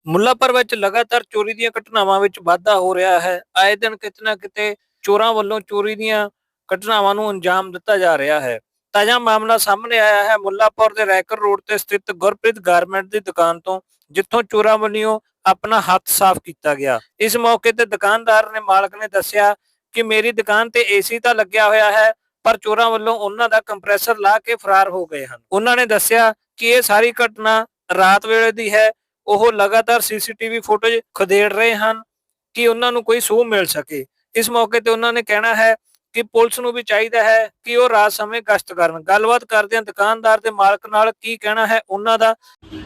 ਮੁੱਲਾਂਪੁਰ ਵਿੱਚ ਲਗਾਤਾਰ ਚੋਰੀ ਦੀਆਂ ਘਟਨਾਵਾਂ ਵਿੱਚ ਵਾਧਾ ਹੋ ਰਿਹਾ ਹੈ। ਆਏ ਦਿਨ ਕਿਤੇ ਨਾ ਕਿਤੇ ਚੋਰਾਂ ਵੱਲੋਂ ਚੋਰੀ ਦੀਆਂ ਘਟਨਾਵਾਂ ਨੂੰ ਅੰਜਾਮ ਦਿੱਤਾ ਜਾ ਰਿਹਾ ਹੈ। ਤਾਜ਼ਾ ਮਾਮਲਾ ਸਾਹਮਣੇ ਆਇਆ ਹੈ ਮੁੱਲਾਂਪੁਰ ਦੇ ਰੈਕਰ ਰੋਡ ਤੇ ਸਥਿਤ ਗੁਰਪ੍ਰੀਤ ਗਾਰਮੈਂਟ ਦੀ ਦੁਕਾਨ ਤੋਂ, ਜਿੱਥੋਂ ਚੋਰਾਂ ਵੱਲੋਂ ਆਪਣਾ ਹੱਥ ਸਾਫ਼ ਕੀਤਾ ਗਿਆ। ਇਸ ਮੌਕੇ ਤੇ ਦੁਕਾਨਦਾਰ ਨੇ ਮਾਲਕ ਨੇ ਦੱਸਿਆ ਕਿ ਮੇਰੀ ਦੁਕਾਨ ਤੇ ਏਸੀ ਤਾਂ ਲੱਗਿਆ ਹੋਇਆ ਹੈ, ਪਰ ਚੋਰਾਂ ਵੱਲੋਂ ਉਹਨਾਂ ਦਾ ਕੰਪਰੈਸਰ ਲਾ ਕੇ ਫਰਾਰ ਹੋ ਗਏ ਹਨ। ਉਹਨਾਂ ਨੇ ਦੱਸਿਆ ਕਿ ਇਹ ਸਾਰੀ ਘਟਨਾ ਰਾਤ ਵੇਲੇ ਦੀ ਹੈ। ਉਹ ਲਗਾਤਾਰ ਸੀਸੀਟੀਵੀ ਫੁਟੇਜ ਖਦੇੜ ਰਹੇ ਹਨ ਕਿ ਉਹਨਾਂ ਨੂੰ ਕੋਈ ਸੂਹ ਮਿਲ ਸਕੇ। ਇਸ ਮੌਕੇ ਤੇ ਉਹਨਾਂ ਨੇ ਕਹਿਣਾ ਹੈ ਕਿ ਪੁਲਿਸ ਨੂੰ ਵੀ ਚਾਹੀਦਾ ਹੈ ਕਿ ਉਹ ਰਾਤ ਸਮੇਂ ਗਸ਼ਤ ਕਰਨ। ਗੱਲਬਾਤ ਕਰਦੇ ਹਾਂ ਦੁਕਾਨਦਾਰ ਦੇ ਮਾਲਕ ਨਾਲ, ਕੀ ਕਹਿਣਾ ਹੈ ਉਹਨਾਂ ਦਾ।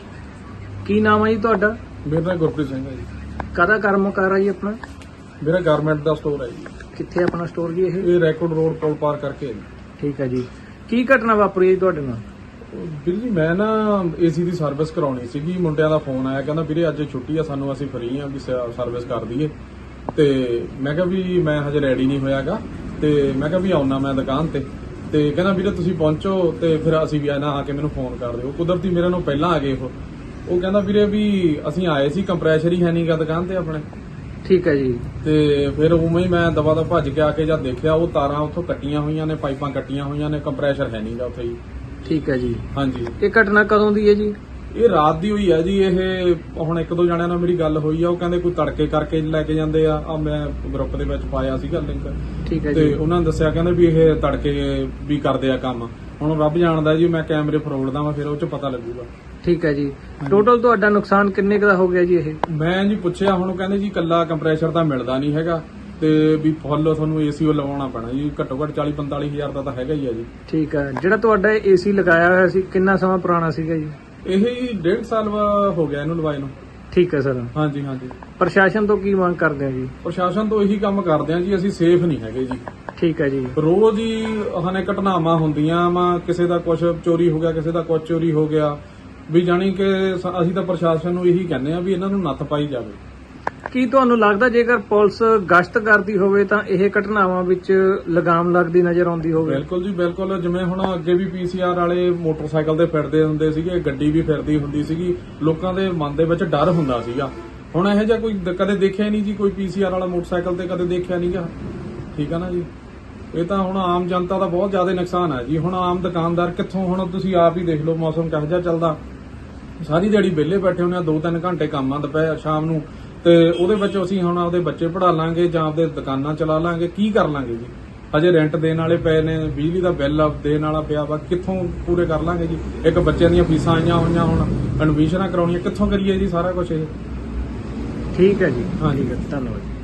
ਕੀ ਨਾਮ ਹੈ ਜੀ ਤੁਹਾਡਾ? ਮੇਰਾ ਨਾਮ ਗੁਰਪ੍ਰੀਤ ਸਿੰਘ ਹੈ ਜੀ। ਕਾਹਦਾ ਕਰਮਕਾਰ ਹੈ ਜੀ ਆਪਣਾ? ਮੇਰਾ ਗਾਰਮੈਂਟ ਦਾ ਸਟੋਰ ਹੈ ਜੀ। ਕਿੱਥੇ ਆਪਣਾ ਸਟੋਰ ਜੀ? ਇਹ ਰੈਕੋਰਡ ਰੋਡ ਕੋਲ ਪਾਰ ਕਰਕੇ ਹੈ ਜੀ। ਠੀਕ ਹੈ ਜੀ। ਕੀ ਘਟਨਾ ਵਾਪਰੀ ਹੈ ਤੁਹਾਡੇ ਨਾਲ? ਵੀਰ ਜੀ ਮੈਂ ਨਾ ਏਸੀ ਦੀ ਸਰਵਿਸ ਕਰਾਉਣੀ ਸੀਗੀ। ਮੁੰਡਿਆਂ ਦਾ ਫੋਨ ਆਇਆ, ਕਹਿੰਦਾ ਵੀਰੇ ਅੱਜ ਛੁੱਟੀ ਆ ਸਾਨੂੰ, ਅਸੀਂ ਫ੍ਰੀ ਆ ਵੀ ਸਰਵਿਸ ਕਰ ਦਈਏ। ਤੇ ਮੈਂ ਕਿਹਾ ਵੀ ਮੈਂ ਹਜੇ ਰੈਡੀ ਨਹੀਂ ਹੋਇਆਗਾ, ਤੇ ਮੈਂ ਕਿਹਾ ਵੀ ਆਉਣਾ ਮੈਂ ਦੁਕਾਨ ਤੇ ਕਹਿੰਦਾ ਵੀਰੇ ਤੁਸੀਂ ਪਹੁੰਚੋ ਤੇ ਫਿਰ ਅਸੀਂ ਵੀ ਆ ਕੇ ਮੈਨੂੰ ਫੋਨ ਕਰ ਦਿਓ। ਕੁਦਰਤੀ ਮੇਰੇ ਨੂੰ ਪਹਿਲਾਂ ਆ ਗਏ ਉਹ ਕਹਿੰਦਾ ਵੀਰੇ ਵੀ ਅਸੀਂ ਆਏ ਸੀ, ਕੰਪਰੈਸ਼ਰ ਹੀ ਹੈ ਨਹੀਂਗਾ ਦੁਕਾਨ ਤੇ ਆਪਣੇ। ਠੀਕ ਹੈ ਜੀ। ਤੇ ਫਿਰ ਉਵੇਂ ਹੀ ਮੈਂ ਦਵਾ ਦਾ ਭੱਜ ਕੇ ਆ ਕੇ ਜਦ ਦੇਖਿਆ ਉਹ ਤਾਰਾਂ ਉੱਥੋਂ ਕੱਟੀਆਂ ਹੋਈਆਂ ਨੇ, ਪਾਈਪਾਂ ਕੱਟੀਆਂ ਹੋਈਆਂ ਨੇ, ਕੰਪਰੈਸ਼ਰ ਹੈ ਨਹੀਂਗਾ ਉੱਥੇ ਜੀ। ਠੀਕ ਹੈ ਜੀ। ਹਾਂਜੀ। ਇਹ ਘਟਨਾ ਕਦੋਂ ਦੀ ਹੈ ਜੀ? ਇਹ ਰਾਤ ਦੀ ਹੋਈ ਹੈ ਜੀ। ਇਹ ਹੁਣ ਇੱਕ ਦੋ ਜਣਿਆਂ ਨਾਲ ਮੇਰੀ ਗੱਲ ਹੋਈ ਆ, ਉਹ ਕਹਿੰਦੇ ਕੋਈ ਤੜਕੇ ਕਰਕੇ ਲੈ ਕੇ ਜਾਂਦੇ ਆ ਮੈਂ ਗਰੁੱਪ ਦੇ ਵਿੱਚ ਪਾਇਆ ਸੀਗਾ ਲਿੰਕ। ਠੀਕ ਹੈ ਤੇ ਜੀ। ਉਹਨਾਂ ਨੇ ਦੱਸਿਆ ਕਹਿੰਦੇ ਵੀ ਇਹ ਤੜਕੇ ਵੀ ਕਰਦੇ ਆ ਕੰਮ। ਹੁਣ ਰੱਬ ਜਾਣਦਾ ਜੀ, ਮੈਂ ਕੈਮਰੇ ਫਰੋੜਦਾ ਵਾ, ਫਿਰ ਉਹ ਚ ਪਤਾ ਲੱਗੂਗਾ। ਠੀਕ ਹੈ ਜੀ। ਟੋਟਲ ਤੁਹਾਡਾ ਨੁਕਸਾਨ ਕਿੰਨੇ ਕੁ ਦਾ ਹੋ ਗਿਆ ਜੀ ਇਹ? ਮੈਂ ਜੀ ਪੁੱਛਿਆ, ਹੁਣ ਉਹ ਕਹਿੰਦੇ ਜੀ ਕੱਲਾ ਕੰਪਰੈਸ਼ਰ ਤਾਂ ਮਿਲਦਾ ਨਹੀਂ ਹੈਗਾ, ਤੇ ਵੀ ਫੁੱਲ ਤੁਹਾਨੂੰ ਏਸੀ ਉਹ ਲਵਾਉਣਾ ਪੈਣਾ ਜੀ। ਘੱਟੋ ਘੱਟ 40-45 ਹਜ਼ਾਰ ਦਾ ਤਾਂ ਹੈਗਾ ਹੀ ਆ ਜੀ। ਠੀਕ ਹੈ। ਜਿਹੜਾ ਤੁਹਾਡਾ ਏਸੀ ਲਗਾਇਆ ਹੋਇਆ ਸੀ ਕਿੰਨਾ ਸਮਾਂ ਪੁਰਾਣਾ ਸੀਗਾ ਜੀ? ਇਹ 1.5 ਸਾਲ ਹੋ ਗਿਆ ਇਹਨੂੰ ਲਵਾਏ ਨੂੰ। ਠੀਕ ਹੈ ਸਰ। ਹਾਂਜੀ ਹਾਂਜੀ। ਪ੍ਰਸ਼ਾਸਨ ਤੋਂ ਕੀ ਮੰਗ ਕਰਦੇ ਆ ਜੀ? ਪ੍ਰਸ਼ਾਸਨ ਤੋਂ ਇਹੀ ਕੰਮ ਕਰਦੇ ਆ ਜੀ, ਅਸੀਂ ਸੇਫ ਨਹੀਂ ਹੈਗੇ ਜੀ। ਠੀਕ ਹੈ ਜੀ। ਰੋਜ਼ ਹੀ ਹਨੇ ਘਟਨਾਵਾਂ ਹੁੰਦੀਆਂ ਵਾ, ਕਿਸੇ ਦਾ ਕੁਝ ਚੋਰੀ ਹੋ ਗਿਆ, ਕਿਸੇ ਦਾ ਕੁਝ ਚੋਰੀ ਹੋ ਗਿਆ, ਵੀ ਜਾਣੀ ਕਿ ਅਸੀਂ ਤਾਂ ਪ੍ਰਸ਼ਾਸਨ ਨੂੰ ਇਹੀ ਕਹਿੰਦੇ ਆ ਵੀ ਇਹਨਾਂ ਨੂੰ ਨੱਥ ਪਾਈ ਜਾਵੇ। ਕੀ ਤੁਹਾਨੂੰ ਲੱਗਦਾ ਜੇਕਰ ਪੁਲਿਸ ਗਸ਼ਤ ਕਰਦੀ ਹੋਵੇ ਤਾਂ ਇਹ ਘਟਨਾਵਾਂ ਵਿੱਚ ਲਗਾਮ ਲੱਗਦੀ ਨਜ਼ਰ ਆਉਂਦੀ ਹੋਵੇ? ਬਿਲਕੁਲ ਜੀ ਬਿਲਕੁਲ। ਜਿਵੇਂ ਹੁਣ ਅੱਗੇ ਵੀ ਪੀਸੀਆਰ ਵਾਲੇ ਮੋਟਰਸਾਈਕਲ ਤੇ ਫਿਰਦੇ ਹੁੰਦੇ ਸੀਗੇ, ਗੱਡੀ ਵੀ ਫਿਰਦੀ ਹੁੰਦੀ ਸੀਗੀ, ਲੋਕਾਂ ਦੇ ਮਨ ਦੇ ਵਿੱਚ ਡਰ ਹੁੰਦਾ ਸੀਗਾ। ਹੁਣ ਇਹੋ ਜਿਹਾ ਕੋਈ ਕਦੇ ਦੇਖਿਆ ਨਹੀਂ ਜੀ, ਕੋਈ ਪੀਸੀਆਰ ਵਾਲਾ ਮੋਟਰਸਾਈਕਲ ਤੇ ਕਦੇ ਦੇਖਿਆ ਨਹੀਂਗਾ। ਠੀਕ ਆ ਨਾ ਜੀ। ਇਹ ਤਾਂ ਹੁਣ ਆਮ ਜਨਤਾ ਦਾ ਬਹੁਤ ਜ਼ਿਆਦਾ ਨੁਕਸਾਨ ਹੈ ਜੀ। ਹੁਣ ਆਮ ਦੁਕਾਨਦਾਰ ਕਿੱਥੋਂ, ਹੁਣ ਤੁਸੀਂ ਆਪ ਹੀ ਦੇਖ ਲਓ ਮੌਸਮ ਕਿਹੋ ਜਿਹਾ ਚੱਲਦਾ। ਸਾਰੀ ਦਿਹਾੜੀ ਵਿਹਲੇ ਬੈਠੇ ਹੁੰਦੇ ਆ, 2-3 ਘੰਟੇ ਕੰਮ ਆ ਦੁਪਹਿਰ ਸ਼ਾਮ ਨੂੰ, ਤੇ ਉਹਦੇ ਵਿੱਚ ਅਸੀਂ ਹੁਣ ਆਪਦੇ ਬੱਚੇ ਪੜ੍ਹਾ ਲਾਂਗੇ ਜਾਂ ਆਪਦੇ ਦੁਕਾਨਾਂ ਚਲਾ ਲਾਂਗੇ, ਕੀ ਕਰ ਲਾਂਗੇ ਜੀ। ਹਜੇ ਰੈਂਟ ਦੇਣ ਵਾਲੇ ਪਏ ਨੇ, ਬਿਜਲੀ ਦਾ ਬਿੱਲ ਦੇਣ ਵਾਲਾ ਪਿਆ ਵਾ, ਕਿੱਥੋਂ ਪੂਰੇ ਕਰ ਲਾਂਗੇ ਜੀ। ਇੱਕ ਬੱਚਿਆਂ ਦੀਆਂ ਫੀਸਾਂ ਆਈਆਂ ਹੋਈਆਂ, ਹੁਣ ਐਡਮਿਸ਼ਨਾਂ ਕਰਾਉਣੀਆਂ, ਕਿੱਥੋਂ ਕਰੀਏ ਜੀ ਸਾਰਾ ਕੁਝ ਇਹ। ਠੀਕ ਹੈ ਜੀ। ਹਾਂਜੀ ਧੰਨਵਾਦ।